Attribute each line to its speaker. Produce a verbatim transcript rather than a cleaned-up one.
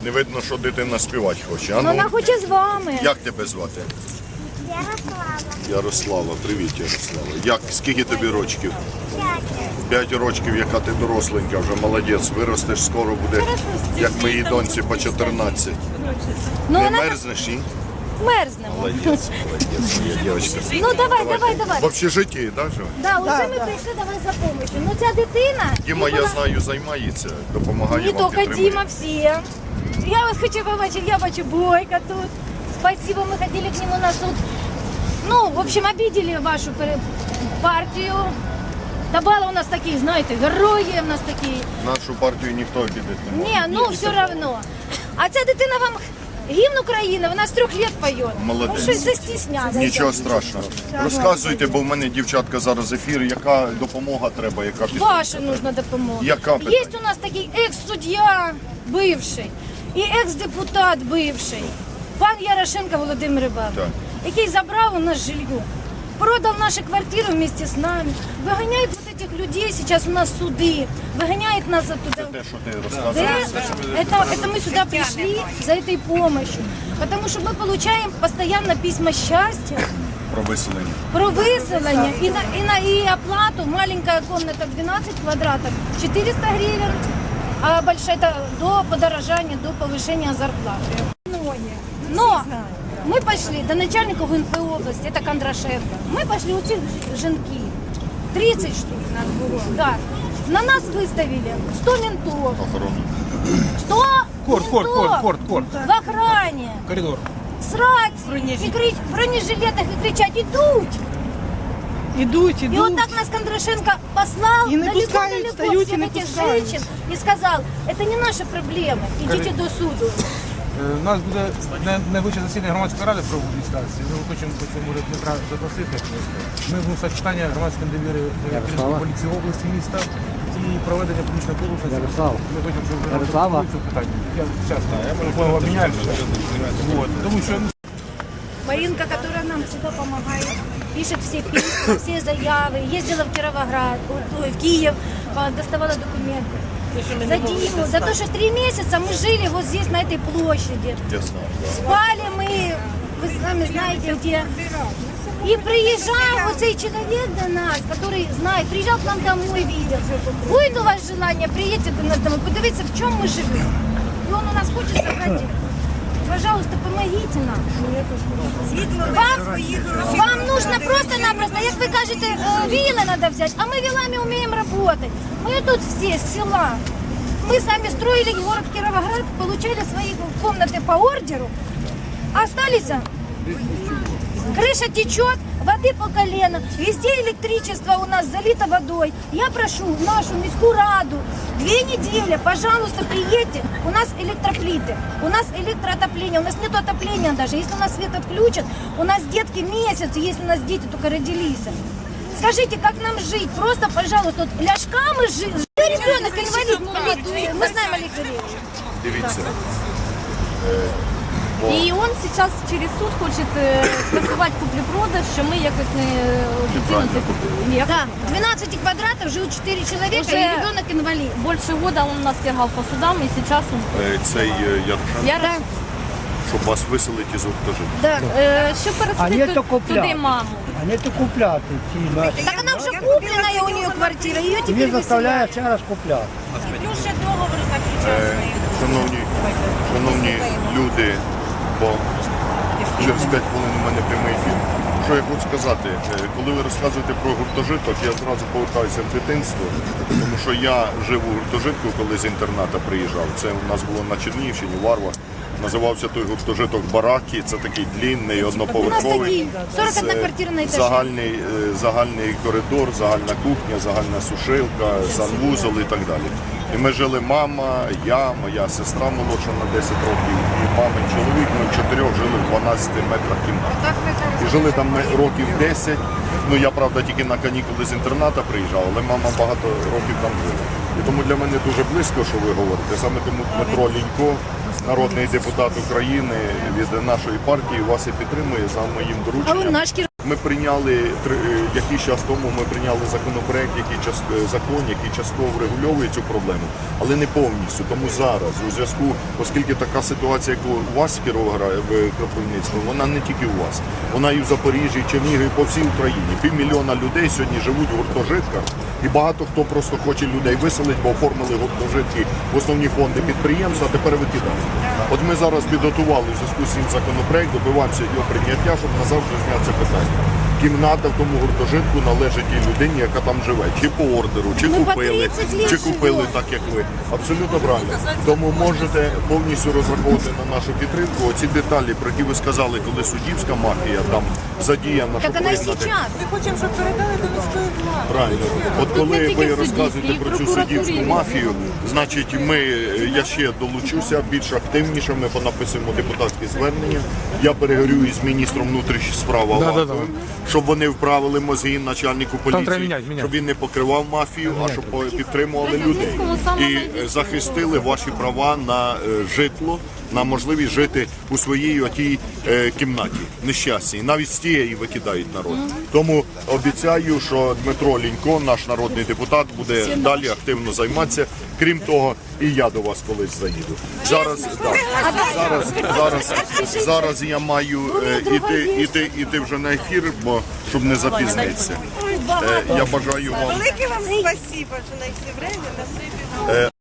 Speaker 1: Не видно, що дитина співати хоче. А
Speaker 2: Ну,
Speaker 1: ну,
Speaker 2: вона хоче з вами.
Speaker 1: як тебе звати?
Speaker 3: Ярослава.
Speaker 1: Ярослава, привіт, Ярослава. Як, скільки тобі рочків?
Speaker 3: П'ять.
Speaker 1: П'ять рочків, яка ти доросленька, вже молодець, виростеш, скоро буде, як моїй доньці по чотирнадцять.
Speaker 2: Ну,
Speaker 1: Не
Speaker 2: вона
Speaker 1: мерзнеш, ні?
Speaker 2: мерзнемо.
Speaker 1: Молодець, молодець, моя дівчинка.
Speaker 2: Ну, давай, давай, давай.
Speaker 1: В общежитті, так же?
Speaker 2: Да, оце ми прийшли до вас за допомогою. Ну, ця дитина...
Speaker 1: Діма,
Speaker 2: і
Speaker 1: я
Speaker 2: вона-
Speaker 1: знаю, займається, допомагає
Speaker 2: Не
Speaker 1: вам,
Speaker 2: тільки
Speaker 1: підтримує.
Speaker 2: Дима, всі. Я вас хочу побачити, я бачу Бойка тут. Спасибо, мы ходили к нему на суд. Ну, в общем, обидели вашу пере- партию. Табала у нас такие, знаете, герої у нас такі.
Speaker 1: Нашу партію ніхто обідати не може.
Speaker 2: Ні, ну все равно. А ця дитина вам гімн України, вона з трьох лет поет.
Speaker 1: Молодець.
Speaker 2: Ну, щось застіснялася.
Speaker 1: Нічого страшного. Розказуйте, бо в мене, дівчатка, зараз ефір, яка допомога треба, яка підтримка.
Speaker 2: Ваша нужна допомога.
Speaker 1: Яка
Speaker 2: Є
Speaker 1: питання?
Speaker 2: у нас такий екс-суддя бивший і екс-депутат бивший, пан Ярошенко Володимир Іванович,
Speaker 1: Так.
Speaker 2: який забрав у нас жилье, продав наші квартири вместе з нами, виганяє вот этих людей, сейчас у нас суди, виганяє нас оттуда.
Speaker 1: Те, що ти
Speaker 2: Да,
Speaker 1: розказуєш.
Speaker 2: это, это мы сюда пришли за этой помощью, потому что мы получаем постоянно письма счастья,
Speaker 1: Про виселення.
Speaker 2: про выселение и на, и на и оплату. Маленькая комната двенадцать квадратов четыреста гривен, а большая это до подорожания, до повышения зарплаты. Но мы пошли до начальника ГУНП области, это Кондрашенко. Мы пошли у этих женки. тридцать штук нас было. Да. На нас выставили сто ментов.
Speaker 1: Охорону.
Speaker 2: сто
Speaker 4: Корт, корт,
Speaker 2: ментов
Speaker 4: корт, корт, корт.
Speaker 2: в охране.
Speaker 4: Коридор.
Speaker 2: С рацией, и крич, в бронежилетах и кричать «Идут!».
Speaker 5: Ідуть,
Speaker 2: И
Speaker 5: ідуть.
Speaker 2: вот так нас Кондрашенко послал
Speaker 5: И не
Speaker 2: далеко,
Speaker 5: пускают,
Speaker 2: далеко
Speaker 5: встают
Speaker 2: всех
Speaker 5: и не
Speaker 2: этих
Speaker 5: пускают.
Speaker 2: женщин и сказал, это не наша проблема, идите до суду.
Speaker 4: Е, У нас буде не- найближче засідання громадської ради про адміністрації. Ми хочемо по цьому може Дмитра запросити. Ми будемо ставити питання громадської довіри керівництва поліції області, міста і проведення публічного конкурсу. Ми хочемо, щоб ви
Speaker 6: Ярослава.
Speaker 4: це питання. Я зараз телефон обміняюся. Вот. Тому що
Speaker 2: Маринка, которая нам всегда помогает, пишет все письма, все заявы, ездила в Кировоград, ой, в Киев, а, доставала документы. За Диму, за то, что три месяца мы жили вот здесь, на этой площади.
Speaker 1: Я знаю, да.
Speaker 2: Спали мы, вы сами знаете где. И приезжал вот цей человек до нас, который знает, приезжал к нам домой, видел. Будет у вас желание, приедьте до нас домой, подивиться, в чем мы живем. И он у нас хочет собрать. Пожалуйста, помогите нам. Вам, вам нужно просто-напросто, як ви кажете, е, віли треба взяти, а ми вілами вміємо працювати. Ми тут всі з села. Мы сами строили город Кировоград, получали свои комнаты по ордеру, а остались, крыша течет, воды по колено, везде электричество у нас залито водой. Я прошу нашу міську раду, две недели, пожалуйста, приедьте, у нас электроплиты, у нас электроотопление, у нас нет отопления даже, если у нас свет отключат, у нас детки месяц, если у нас дети только родились. Скажите, как нам жить? Просто, пожалуйста, вот ляжка мы жили. Ребенок инвалид, мы знаем Олег Андреевич.
Speaker 1: Дивіться.
Speaker 7: І він зараз через суд хоче е, скасувати куплю-продаж, що ми якось не офіційно це купили. Ні,
Speaker 2: Да, двенадцать квадратов, живут четыре человека,
Speaker 7: Уже-
Speaker 2: и ребенок инвалид.
Speaker 7: більше года він нас тягав по судам, і зараз він...
Speaker 1: Е, Цей е, Ярошенко,
Speaker 7: Я
Speaker 2: Да,
Speaker 1: щоб вас виселити із гуртожитку.
Speaker 2: да.
Speaker 7: е, що
Speaker 6: А ні,
Speaker 7: пересадити
Speaker 6: то
Speaker 7: ту-
Speaker 6: купляти.
Speaker 7: туди маму.
Speaker 6: А не то купляти ці наші.
Speaker 2: Так она уже купленная у нее квартира, ее теперь
Speaker 6: Він заставляє
Speaker 2: выселяют.
Speaker 6: ще раз купляти.
Speaker 1: Е, Шановні, шановні люди, бо через п'ять хвилин у мене прямий ефір. Що я хочу сказати, Е, коли ви розказуєте про гуртожиток, я зразу повертаюся в дитинство, тому що я жив у гуртожитку, коли з інтерната приїжджав. Це у нас було на Чернігівщині, Варва. Називався той гуртожиток Бараки, це такий длінний, одноповерховий.
Speaker 2: сорок одна
Speaker 1: з, е,
Speaker 2: квартира на етажі.
Speaker 1: Загальний, е, загальний коридор, загальна кухня, загальна сушилка, санвузол і так далі. І ми жили мама, я, моя сестра молодша на десять років, і мамин чоловік, ми чотирьох жили в дванадцяти метрах кімнати. І жили там ми років десять. Ну я, правда, тільки на канікули з інтерната приїжджав, але мама багато років там жила. І тому для мене дуже близько, що ви говорите. Саме тому Дмитро Лінько, народний депутат України від нашої партії, вас і підтримує за моїм
Speaker 2: А
Speaker 1: дорученням.
Speaker 2: он наш Кир...
Speaker 1: Ми прийняли три- е, якийсь час тому. Ми прийняли законопроект, який час е, закон, який частково врегульовує цю проблему, але не повністю. Тому зараз, у зв'язку, оскільки така ситуація, як у вас в Кіровограді, в Кропивницькому, вона не тільки у вас, вона і в Запоріжжі, і Чернігові, по всій Україні. Півмільйона людей сьогодні живуть в гуртожитках, і багато хто просто хоче людей виселити, бо оформили гуртожитки в основні фонди підприємств, а тепер викидають. От ми зараз підготували в зв'язку з цим законопроект, добиваємося його прийняття, щоб назавжди зняти це питання. Кімната в тому гуртожитку належить тій людині, яка там живе. Чи по ордеру, чи
Speaker 2: Ну, по
Speaker 1: купили,
Speaker 2: тридцять лет
Speaker 1: чи купили
Speaker 2: живе.
Speaker 1: так, як ви. Абсолютно правильно. Тому можете повністю розраховувати на нашу підтримку. Оці деталі, про які ви сказали, коли суддівська мафія там задіяна,
Speaker 2: Так
Speaker 1: щоб
Speaker 2: она и
Speaker 1: визнати.
Speaker 2: сейчас.
Speaker 5: Ми хочемо, щоб передали до міської влади.
Speaker 1: Правильно. От
Speaker 7: не
Speaker 1: коли
Speaker 7: тільки
Speaker 1: ви
Speaker 7: в
Speaker 1: розказуєте
Speaker 7: суддівській,
Speaker 1: про
Speaker 7: і
Speaker 1: цю
Speaker 7: прокуратурі.
Speaker 1: суддівську мафію, значить ми, я ще долучуся більш активніше, ми понаписуємо депутатські звернення. Я переговорю із міністром внутрішніх справ Аваковим, щоб вони вправили мозги начальнику
Speaker 4: треба
Speaker 1: поліції,
Speaker 4: міняти, міняти.
Speaker 1: щоб він не покривав мафію, а щоб по- підтримували людей. І е, захистили ваші права на е, житло, на можливість жити у своїй отій е, кімнаті нещасній. Навіть з тієї викидають народ. Тому обіцяю, що Дмитро Лінько, наш народний депутат, буде далі активно займатися. Крім того, і я до вас колись заїду. Зараз, да, зараз, зараз, зараз я маю е, іти, іти, іти вже на ефір, бо щоб не запізнитися. Е, я бажаю вам.
Speaker 5: Велике вам спасибо, що знайшли время, насипі нам.